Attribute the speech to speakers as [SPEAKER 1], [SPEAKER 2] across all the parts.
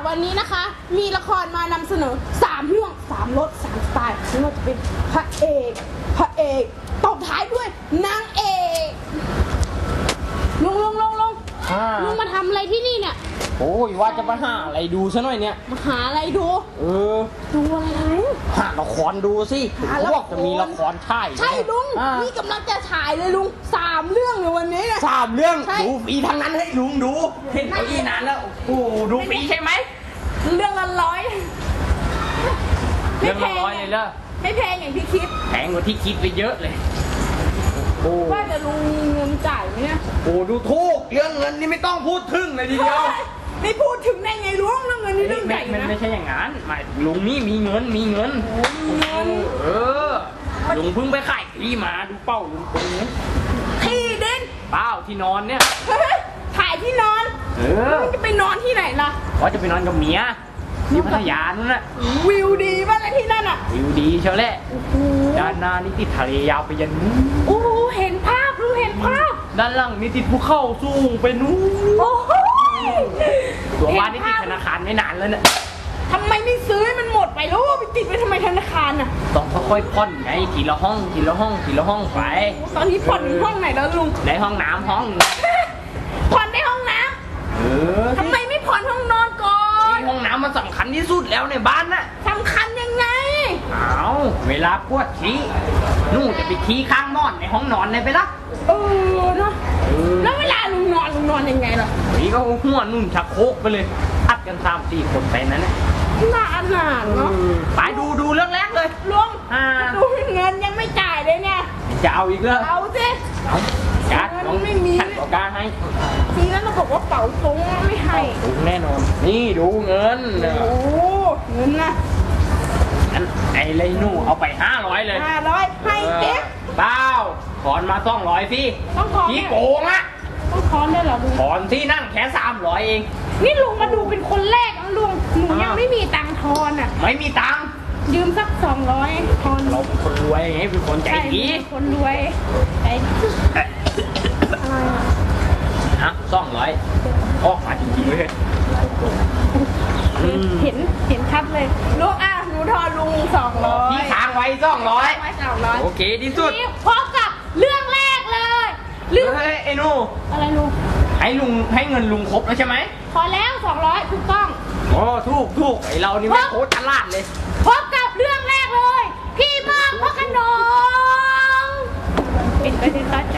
[SPEAKER 1] วันนี้นะคะมีละครมานำเสนอ3เรื่อง3รส3สไตล์ไม่ว่าจะเป็นพระเอกตบท้ายด้วยนางเอกลุงมาทำอะไรที่นี่เนี่ย
[SPEAKER 2] โอ้ยว่าจะมาหาอะไรดูซะหน่อยเนี่ย
[SPEAKER 1] มาหาอะไรดูดูอะไร
[SPEAKER 2] หาละครดูสิพวกจะมีละครถ่าย
[SPEAKER 1] ใช่ลุงนี่กำลังจะถ่ายเลยลุง3เรื่องในวันนี้เนี่ย
[SPEAKER 2] 3เรื่องดูฟรีทั้งนั้นให้ลุงดูเห็นไปอีนานแล้วโอ้ดูฟรีใช่ไหม
[SPEAKER 1] เรื่องละ100
[SPEAKER 2] เรื่องละ100เลยเหรอ
[SPEAKER 1] ไม่แพงอย่างที่คิด
[SPEAKER 2] แพงกว่าที่คิดไปเยอะเลย
[SPEAKER 1] ว่าจะลุงมีเงินจ่ายไหมเนี่ย
[SPEAKER 2] โอ้ดูถูกเรื่องเงินนี่ไม่ต้องพูดถึงเลยทีเดียว
[SPEAKER 1] ไม่พูดถึงได้ไงลุงเรื่องเงินนี่เรื่องใหญ่นะ
[SPEAKER 2] ไม่ใช่อย่างนั้นหมายลุงนี่มีเงินลุงเพิ่งไปขายที่มาดูเป้าลุงตรงนี้
[SPEAKER 1] ที่ดิน
[SPEAKER 2] เป้าที่นอนเนี่ย
[SPEAKER 1] ถ่ายที่นอนจะไปนอนที่ไหนล่ะ
[SPEAKER 2] ว่าจะไปนอนกับเมียที่พัทยานั่นแหละ
[SPEAKER 1] วิวดีมากเลยที่นั่นอ่ะ
[SPEAKER 2] วิวดีเชียวแหละด้านหน้านี่ติดทะเลยาวไปยันนู้น
[SPEAKER 1] โอ้เห็นภาพลุงเห็นภาพ
[SPEAKER 2] ด้านหลังนี่ติดภูเขาสูงไปนู้น
[SPEAKER 1] โอ้โห
[SPEAKER 2] ตัวบ้านนี่ติดธนาคารไม่นานแล้วเนี่ย
[SPEAKER 1] ทำไมไม่ซื้อให้มันหมดไปแล้วไปติดไปทำไมธนาคารอ่ะ
[SPEAKER 2] ต้องค่อยๆผ่อนไงทีละห้องไป
[SPEAKER 1] ตอนนี้ผ่อนห้องไหนแล้วลุง
[SPEAKER 2] ในห้องน้ำห้อง
[SPEAKER 1] ผ่อนในห้องน้ำทำไมไม่ผ่อนห้องนอนก่อน
[SPEAKER 2] ห้องน้ำมันสำคัญที่สุดแล้วในบ้านน่ะ
[SPEAKER 1] สำคัญยังไง
[SPEAKER 2] เวลาปวดขี้นู่นจะไปขี้ข้างนอนในห้องนอนเลยไปละ
[SPEAKER 1] เนาะแล้วเวลาลุงนอนยังไงล่ะ
[SPEAKER 2] นี่ก็หัวนุ่นชักโครกไปเลยอัดกัน3-4 คนไปนั้นนะ
[SPEAKER 1] นานเนาะ
[SPEAKER 2] ไปดูเรื่องแรกเลย
[SPEAKER 1] ลุงดูเงินยังไม่จ่ายเลยเนี่ย
[SPEAKER 2] จะเอาอีกเหรอ
[SPEAKER 1] เอาสิ
[SPEAKER 2] การไม่มีการให้
[SPEAKER 1] ทีนั้นเราบอกว่าเป๋าตุงไม่ให้
[SPEAKER 2] ตุงแน่นอนนี่ดูเงิน
[SPEAKER 1] โอ้เงินนะ
[SPEAKER 2] งั้นไอ้ไรนู่เอาไป500เลย
[SPEAKER 1] 500ให้เก็บ
[SPEAKER 2] เปล่าถอนมา200สิพี่โกงอะ
[SPEAKER 1] ต้องถอนได้เหรอลุง
[SPEAKER 2] ถอนที่นั่งแค่300เอง
[SPEAKER 1] นี่ลุงมาดูเป็นคนแรกนะลุงหนูยังไม่มีตังค์ทอนอ่ะ
[SPEAKER 2] ไม่มีตังค์
[SPEAKER 1] ยืมสัก200ทอน
[SPEAKER 2] เราเป็นคนรวยไงเป็นคนใจดี
[SPEAKER 1] คนรวยใจ
[SPEAKER 2] ฮะ200ออกมาจริงๆเลย
[SPEAKER 1] เห็นชัดเลยลุงหนูทอนลุง200
[SPEAKER 2] พี่ค้างไว้200โอเคที่สุด
[SPEAKER 1] พบกับเรื่องแรกเลย
[SPEAKER 2] เรื่องไอ้นู่
[SPEAKER 1] อะไรลุง
[SPEAKER 2] ให้เงินลุงครบแล้วใช่ไหม
[SPEAKER 1] พอแล้ว200ถูกต้อง
[SPEAKER 2] โอ้ถูกไอเรานี่ไม่โคตรตลาดเลย
[SPEAKER 1] พบกับเรื่องแรกเลยพี่มากพระขนงปิดไปติดตัด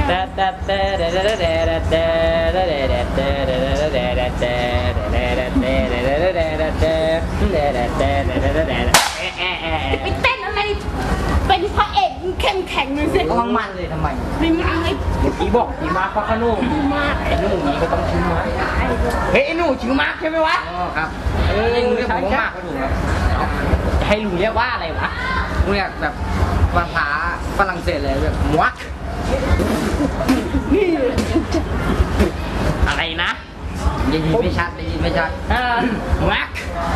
[SPEAKER 1] ไปเต้นอะไรเป็นพระเอกเข้มแข็งเลยสิ
[SPEAKER 2] มันเลยทำไม
[SPEAKER 1] ไม่มาเลย
[SPEAKER 2] พี่บอกพี่มาร์คพระขนงไอ้หนูนี้ก็ต้องชื่อมาร์คเฮ้ยไอ้หนูชื่อมาร์คใช่ไหมวะ
[SPEAKER 3] ครับลุงเรียกผมว่ามาร์คก็ถูกครับ
[SPEAKER 2] ให้ลุงเรียกว่าอะไรวะ
[SPEAKER 3] ลุงเรียกแบบภาษาฝรั่งเศสเลยแบบมวัก
[SPEAKER 1] นี่
[SPEAKER 2] อะไรนะ
[SPEAKER 3] ยินไม่ชัด
[SPEAKER 2] มวัก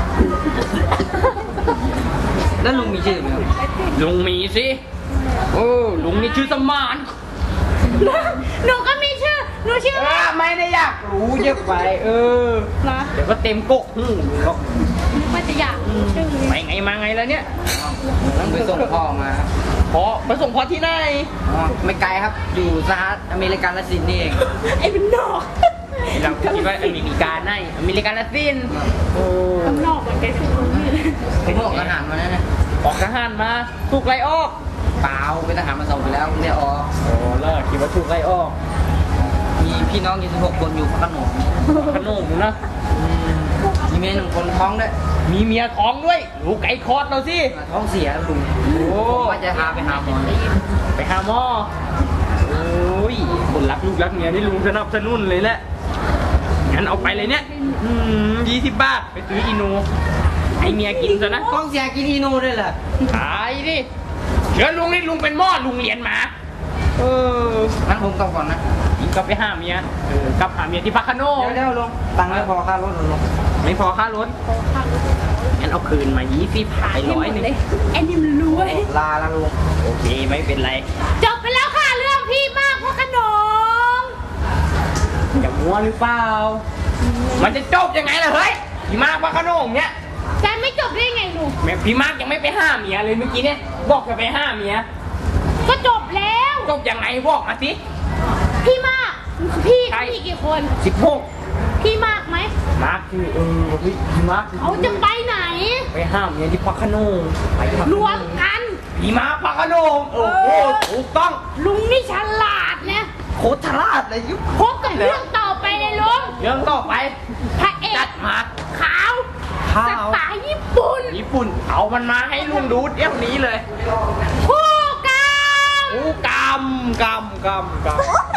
[SPEAKER 3] แล้วลุงมีชื่อไหมครับ
[SPEAKER 2] ลุงมีสิลุงมีชื่อสมาน
[SPEAKER 1] หนูก็มีชื่อหนูชื่อ
[SPEAKER 2] ไม่ได้อยากรู้เยอะไปเดี๋ยวก็เต็มโกะลุงหรอก
[SPEAKER 1] ไม่จะอยากชื่อ
[SPEAKER 2] ไปไงมาไงแล้วเนี่ย
[SPEAKER 3] ต้องไปส่งพ่อมา
[SPEAKER 2] ไปส่งพ่อที่ไหน
[SPEAKER 3] ไม่ไกลครับอยู่สหรัฐอเมริกาละสินนี่เอง
[SPEAKER 1] ไอ้เป็นนอก
[SPEAKER 2] เราคิดว่าอเมริกาในอเมริกาละสิน
[SPEAKER 1] เป็นนอกเหมือนแกคือคนนี้เลย
[SPEAKER 3] ผมออกทหารมาแล้วนะ
[SPEAKER 2] ออกทหารมาถูกไล่ออก
[SPEAKER 3] เปล่าเป็นทหารมา2 ปีแล้วไม่ออก
[SPEAKER 2] เลิกคิดว่าถูกไล่ออก
[SPEAKER 3] มีพี่น้อง26 คนอยู่พระขนง
[SPEAKER 2] นะ
[SPEAKER 3] มีเมีย1 คนท้องด้วย
[SPEAKER 2] มีเมียท้องด้วยลูกไก่คลอดเราสิ
[SPEAKER 3] ท้องเสียลุงว่าจะพาไปหาหมอ
[SPEAKER 2] โอ้ยคนรักลูกรักเมียนี่ลุงสนับสนุนเลยแหละงั้นเอาไปเลยเนี่ย20 บาทไปซื้ออีโนให้เมียกินซะนะ
[SPEAKER 3] ท้องเสียกินอีโนด้วยเหรอ
[SPEAKER 2] ขายดิเชิญลุงนี่ลุงเป็นหม้อลุงเรียนมา
[SPEAKER 3] งั้นผมกลับก่อนนะ
[SPEAKER 2] กลับไปหาเมียกลับหาเมียที่พระโขนง
[SPEAKER 3] เดี๋ยวลุงตังค์ไม่พอค่ารถลุง
[SPEAKER 2] ไม่พอค่ารถงั้นเอาคืนมา20หาย100เลย
[SPEAKER 1] ไอ้นี่มันรวย
[SPEAKER 3] ลาละลุง
[SPEAKER 2] โอเคไม่เป็นไร
[SPEAKER 1] จบไปแล้วค่ะเรื่องพี่มากพระโขนง
[SPEAKER 2] อย่ามัวหรือเปล่ามันจะจบยังไงล่ะเฮ้ยพี่มากพระโขนงเนี่ย
[SPEAKER 1] แกไม่จบได้ไงลุง
[SPEAKER 2] แม่พี่มากยังไม่ไปห้าเมียเลยเมื่อกี้เนี่ยบอกจะไปห้าเมีย
[SPEAKER 1] ก็จบแล้ว
[SPEAKER 2] จบยังไงบอกมาสิ
[SPEAKER 1] พี่มากพี่
[SPEAKER 2] ใคร
[SPEAKER 1] มีกี่คน
[SPEAKER 2] 16
[SPEAKER 1] พี่มากไหม
[SPEAKER 2] มาร์คคือเฮ้ยพี่มาร์ค
[SPEAKER 1] เขาจะไปไหน
[SPEAKER 2] ไปห้ามเมียที่พระโขนงไปพระโขนง
[SPEAKER 1] รวมกัน
[SPEAKER 2] พี่มาร์คพระโขนงโอ้โหถูกต้อง
[SPEAKER 1] ลุงนี่ฉลาดนะ
[SPEAKER 2] โคตรฉลาดเลยยุบ
[SPEAKER 1] พบกับเรื่องต่อไปเลยลุง
[SPEAKER 2] เรื่องต่อไป
[SPEAKER 1] พระเอ
[SPEAKER 2] จั
[SPEAKER 1] ก
[SPEAKER 2] ดมา
[SPEAKER 1] ขาว
[SPEAKER 2] ขาว
[SPEAKER 1] สไตล์ญี่ปุ่น
[SPEAKER 2] ญี่ปุ่นเอามันมาให้ลุงดูเดี๋ยวนี้เลย
[SPEAKER 1] คู่กัน
[SPEAKER 2] อู้กำ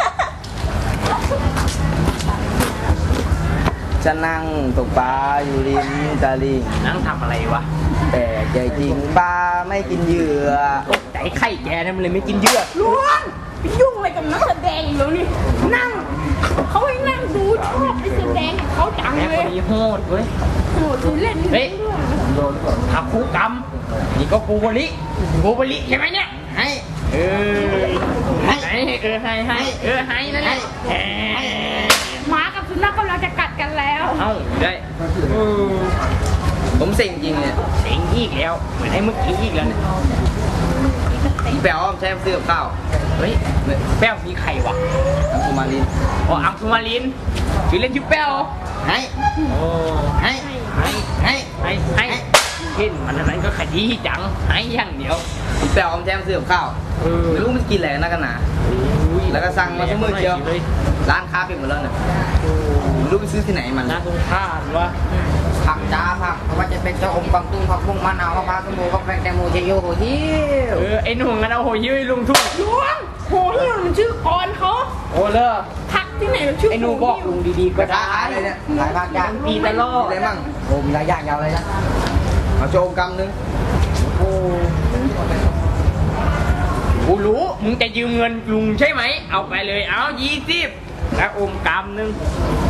[SPEAKER 3] จะนั่งตกปลาอยู่ริมตลิ่ง
[SPEAKER 2] นั่งทำอะไรวะ
[SPEAKER 3] แต่ใจจริงปลาไม่กินเหยื่อ
[SPEAKER 2] ตกใจไข่แกเนี่ยมันเลยไม่กินเยื่อ
[SPEAKER 1] ลุงไปยุ่งอะไรกับนักแสดงอยู่นี่นั่งเขาให้นั่งดูชอบไปแสดงกับเขาจัง
[SPEAKER 2] แม่
[SPEAKER 1] เล
[SPEAKER 2] ค
[SPEAKER 1] ย
[SPEAKER 2] นนี้โหดเว้ย
[SPEAKER 1] โหดูเล่น
[SPEAKER 2] เฮ้ย ทับคู่กรรมนี่ก็กูบริใช่ไหมเนี่ยให้ให้นั่นแหละ
[SPEAKER 1] หมากับสุนัขกำลังจะกัดกันแล้ว
[SPEAKER 2] เอ้าได้
[SPEAKER 3] ผมเซ็งจริงเนี่ย
[SPEAKER 2] เสียงอีกแล้วเหมือนไอ้เมื่อกี้อีกแล้วเนี่ย
[SPEAKER 3] แปลว่าใช้ซื้อกับข้าว
[SPEAKER 2] เฮ้ยแป้วมีใครวะ
[SPEAKER 3] น้ำปูมาลิน
[SPEAKER 2] อ๋ออังสุมาลินชื่อเล่นชื่อแป้ว
[SPEAKER 3] ให้
[SPEAKER 2] โอ้
[SPEAKER 3] ให้ให้
[SPEAKER 2] เห็นมันอันนั้นก็ขยี้จังให้อย่างเดียว
[SPEAKER 3] แปลว่าใช้ซื้อกับข้าวไม่รู้มันกินอะไรนักกันหนาแล้วก็สั่งมาทุกมื้อเชียวร้านค้าปิดหมดแล้วเนี่ยไม่รู้ไปซื้อที่ไหนมัน
[SPEAKER 2] น่าสงสารวะ
[SPEAKER 3] ผักจ้าผักไม่ว่าจะเป็นเจ้าอมกวางตุ้งผักบุ้งมะนาวมะพร้าวส้มโอฟักแฟงแตงโมเชโยโหฮิว
[SPEAKER 2] ไอ้หนุ่มกันเอาโหยื้อลุงทุ่ง
[SPEAKER 1] ลุงโหนี่มันชื่อกรเขา
[SPEAKER 2] โอ้เลิก
[SPEAKER 1] พักที่ไหนมันชื่อ
[SPEAKER 2] ไอ้หนูบอกลุงดีๆก็
[SPEAKER 3] ก็
[SPEAKER 2] ได้
[SPEAKER 3] ขายเลยเนี่ยขายผักจ้า
[SPEAKER 2] ปีตะลอด
[SPEAKER 3] มีอะไรมั่งโอ้มีหลายอย่างยาวเลยนะเอาโชว์กำนึง
[SPEAKER 2] โอ้กูรู้มึงจะยืมเงินลุงใช่ไหมเอาไปเลยเอา20แล้วอมกำนึง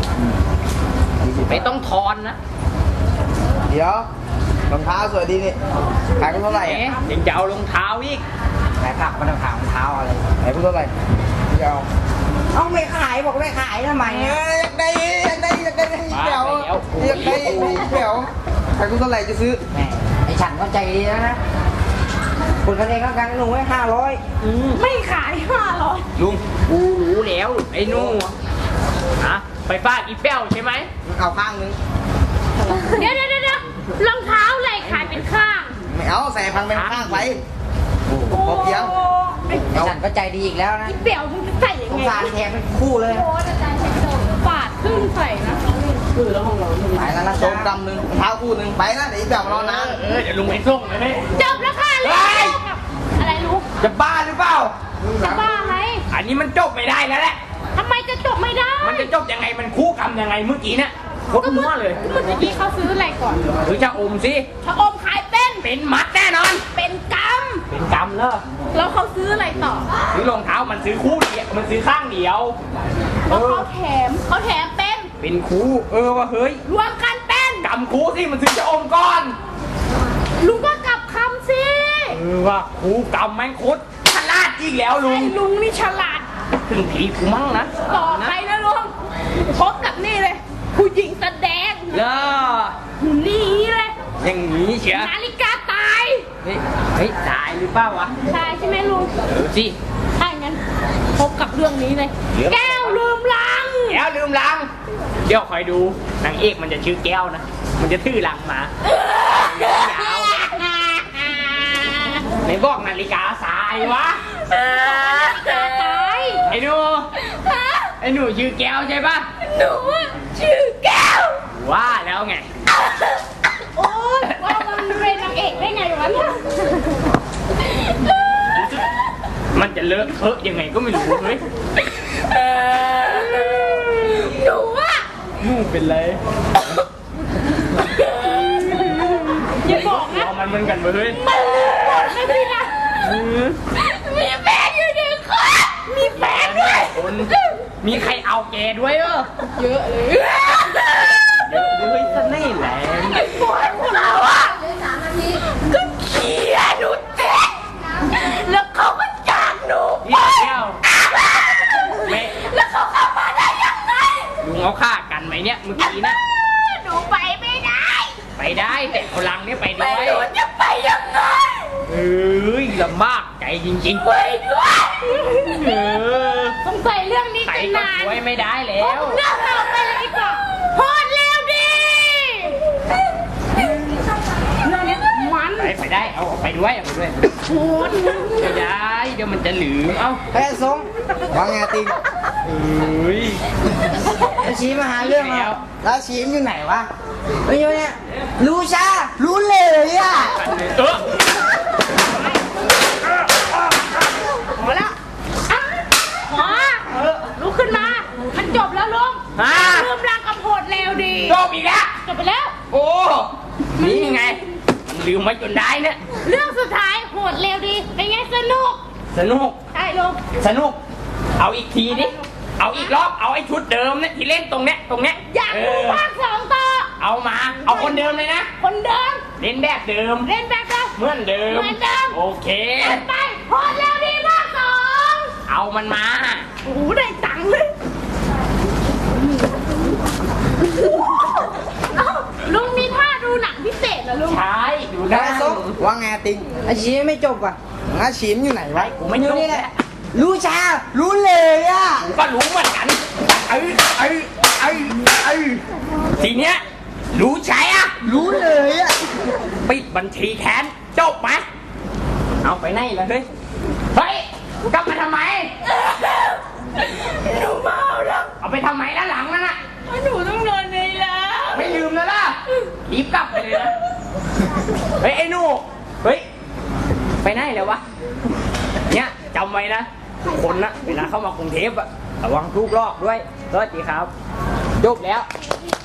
[SPEAKER 2] ไม่ต้องทอนนะ
[SPEAKER 3] เดี๋ยวรองเท้าสวยดีนี่ขายกันเท่าไหร่
[SPEAKER 2] แหม
[SPEAKER 3] อะ
[SPEAKER 2] ยังจะเอารองเท้าอีก
[SPEAKER 3] ขายผักมันขายรองเท้าอะไรขายกันเท่าไหร่เดี๋ยวเอาไม่ขายบอกไม่ขายทำไมอยากได้เดี๋ยวอยากได้เดี๋ยวขายกันเท่าไหร่จะซื้อไอ้ฉันก็ใจดีนะคนกันเองก็กันหนูไว้500
[SPEAKER 1] ไม่ขาย500
[SPEAKER 2] ลุงกูรู้แล้วไอ้หนู่ฮะไปฟาดอีแป้วใช่ไหม
[SPEAKER 3] เอาข้างนึง
[SPEAKER 1] เดี๋ยวรองเท้าอะไรขายเป็นข้าง
[SPEAKER 3] ไม่เอาใส่พันเป็นข้างไปพอเพียงไอ้ฉันก็ใจดีอีกแล้วนะ
[SPEAKER 1] อีเปี่ยวมึงจะใส่ยัง
[SPEAKER 3] สง
[SPEAKER 1] ไง
[SPEAKER 3] สารแทนเป็นคู่เลย
[SPEAKER 1] ปาดครึ่งใส่นะ
[SPEAKER 3] ไปแล้วนะโชว์กำนึงเท้าคู่นึงไปนะเดี๋ยวแบบรอนาน
[SPEAKER 2] เดี๋ยวลุงไปส่งเลย
[SPEAKER 1] จบแล้วค่ะลูกอะไรลูก
[SPEAKER 2] จะบ้าหรือเปล่า
[SPEAKER 1] จะบ้าไหม
[SPEAKER 2] อันนี้มันจบไม่ได้แล้วแหละ
[SPEAKER 1] ทำไมจะจบไม่ได้
[SPEAKER 2] มันจะจบยังไงมันคู่กรรมยังไงเมื่อกี้เนี่ยโคตรมั่วเลย
[SPEAKER 1] เมื่อกี้เขาซื้ออะไรก่อน
[SPEAKER 2] หรือจะอมสิ
[SPEAKER 1] ชะอมขายเป็น
[SPEAKER 2] เป็นมัดแน่นอน
[SPEAKER 1] เป็นก
[SPEAKER 2] เป็นกรรมเลย
[SPEAKER 1] ำแล้วเขาซื้ออะไรต่อ
[SPEAKER 2] ซื้อรองเท้ามันซื้อคู่เดียวมันซื้อข้างเดียว
[SPEAKER 1] แล้วเขาแถมเป็น
[SPEAKER 2] เป็นคู่ว่าเฮ้ย
[SPEAKER 1] รวมกันเป็น
[SPEAKER 2] กรรมคู่สิมันซื้อจะอมก่อน
[SPEAKER 1] ลุงก็กลับคำสิ
[SPEAKER 2] ว่าคู่กรรมแม่งโคตรฉลาดอีกแล้วลุ
[SPEAKER 1] ไอ้
[SPEAKER 2] ง
[SPEAKER 1] ลุงนี่ฉลาด
[SPEAKER 2] ถึงผีกูมั่งนะ
[SPEAKER 1] ต่อไปนะลุงพบกับนี่เลย ผู้หญิงแสดง
[SPEAKER 2] เลิก
[SPEAKER 1] นี่เลย
[SPEAKER 2] อย่างนี้เชียว
[SPEAKER 1] นาฬิกาตาย
[SPEAKER 2] เฮ้ยตายหรือเปล่าวะ
[SPEAKER 1] ตายใช่ไหมลุง
[SPEAKER 2] สิ
[SPEAKER 1] ถ้าอย่างนั้นพบกับเรื่องนี้เลย แก้วลืมลัง
[SPEAKER 2] แก้วลืมลัง เดี๋ยวคอยดูนางเอกมันจะชื่อแก้วนะ มันจะถือลังมาไหนบอกนาฬิกาสายวะ
[SPEAKER 1] ตาย
[SPEAKER 2] ไอ้หนูไอ้หนูชื่อแก้วใช่ปะ
[SPEAKER 1] หนูชื่อแก้ว
[SPEAKER 2] ว่าแล้วไง
[SPEAKER 1] โอ๊ยว่ามันเป็นนางเอกได้ไงวะเนี่ย
[SPEAKER 2] มันจะเลอะเทอะยังไงก็ไม่รู้เฮ้ย
[SPEAKER 1] หนูอะ
[SPEAKER 2] หนูเป็นไร
[SPEAKER 1] อย่าบอกนะ
[SPEAKER 2] เอามันเหมือนกันเว้ย
[SPEAKER 1] มันบอกไม่พี่นะมีแฟนอยู่หนึ่งคนมีแฟนด้วย
[SPEAKER 2] คนมีใครเอาแกด้วยเออ
[SPEAKER 1] เยอะเลย
[SPEAKER 2] เดี๋ยวเฮ้ยเสน่ห์แรง
[SPEAKER 1] ไอ้พวกเราอะก็เขียนหนูเจ๊แล้วเขาก็จากหนู
[SPEAKER 2] พี่แก้วแม่
[SPEAKER 1] แล้วเขาเข้ามาได้ยังไง
[SPEAKER 2] ลุงเอาฆ่ากันไหมเนี่ยเมื่อกี้นะ
[SPEAKER 1] หนูไปไม่ได้
[SPEAKER 2] ไปได้แต่พลังเนี่ยไปด้
[SPEAKER 4] แต่
[SPEAKER 2] วย
[SPEAKER 4] หนูจะไปยังไง
[SPEAKER 2] เอ้ยลำบากใจจริงๆ
[SPEAKER 4] ไปด้วย
[SPEAKER 2] เออ
[SPEAKER 1] สงสัยเรื่องนี้
[SPEAKER 2] ใคร
[SPEAKER 1] จะ
[SPEAKER 2] ก็
[SPEAKER 1] นาน
[SPEAKER 2] ช่วยไม่ได้แล้ว
[SPEAKER 1] เรื่องเราไปเลยดีกว่าโหดเร็วดิเรื่องนี้มัน
[SPEAKER 2] ไปได้เอาไปด้วยเอาไปด้วย
[SPEAKER 1] โหด
[SPEAKER 2] ไม่ได้เดี๋ยวมันจะหลืมเอ้า
[SPEAKER 3] เฮ้ยสงว่าไงติง
[SPEAKER 2] เอ้ย
[SPEAKER 3] แล้วชี้มาหาเรื่อง
[SPEAKER 2] แล้
[SPEAKER 3] เรา
[SPEAKER 2] ว
[SPEAKER 3] แล้วชี้มันอยู่ไหนวะไม่อยู่เนี่ยรู้ชารู้เลยอ่ะ
[SPEAKER 2] เออ
[SPEAKER 1] พอแล้วอ่ะพอลุกขึ้นมา มันจบแล้วลุงลืมรางกับโหดเร็วดี
[SPEAKER 2] จบอีกแล้ว
[SPEAKER 1] จบไปแล้ว
[SPEAKER 2] โอ้นี่ไงมันลืมไว้จนได้เนี่ย
[SPEAKER 1] เรื่องสุดท้ายโหดเร็วดี เป็นไงสนุก
[SPEAKER 2] สนุก
[SPEAKER 1] ใช่ลุง
[SPEAKER 2] สนุก เอาอีกทีดิเอาอีกรอบเอาไอ้ชุดเดิมเนี่ยที่เล่นตรงเนี้ย
[SPEAKER 1] อยากดูภาค 2 ต่อ
[SPEAKER 2] เอามาเอาคนเดิมเลยนะ
[SPEAKER 1] คนเดิม
[SPEAKER 2] เล่นแบบเดิม
[SPEAKER 1] เล่นแบบเดิม
[SPEAKER 2] เหมือนเดิม
[SPEAKER 1] เหมือนเดิม
[SPEAKER 2] โอเค
[SPEAKER 1] ไปโหดเร็วดีภาค 2
[SPEAKER 2] เอามันมา
[SPEAKER 1] โอ้โหได้ตังค์เลยเอ้าลุงมีท่าดูหนังพิเศษเหรอลุง
[SPEAKER 2] ใช่ดู
[SPEAKER 3] แล้
[SPEAKER 2] ได้
[SPEAKER 3] วสงว่าไงติงไอชี้ไม่จบอ่ะงั้นชี้มันอยู่ไหนวะ
[SPEAKER 2] กูไม่จบ
[SPEAKER 3] อยู่นี่แหละรู้ชารู้เลยอ่ะ
[SPEAKER 2] กูก็รู้เหมือนกันทีเนี้ยรู้ใช่อะ
[SPEAKER 3] รู้เลยอ่ะ
[SPEAKER 2] ปิดบัญชีแทนจบไหมเอาไปไหนล่ะเฮ้ยเฮ้ยกลับมาทำไม
[SPEAKER 4] หนูเมาแล้ว
[SPEAKER 2] เอาไปทำไมด้านหลังนั่นน่ะ
[SPEAKER 4] หนูต้องนอนในร้าน
[SPEAKER 2] ไม่ลืมแล้วล่ะรีบกลับไปเลยนะเฮ้ยไอ้หนูเฮ้ยไปไหนแล้ววะเนี่ยจำไว้นะทุกคนนะเวลาเข้ามากรุงเทพอะระวังถูกลอกด้วยสวัสดีครับจบแล้ว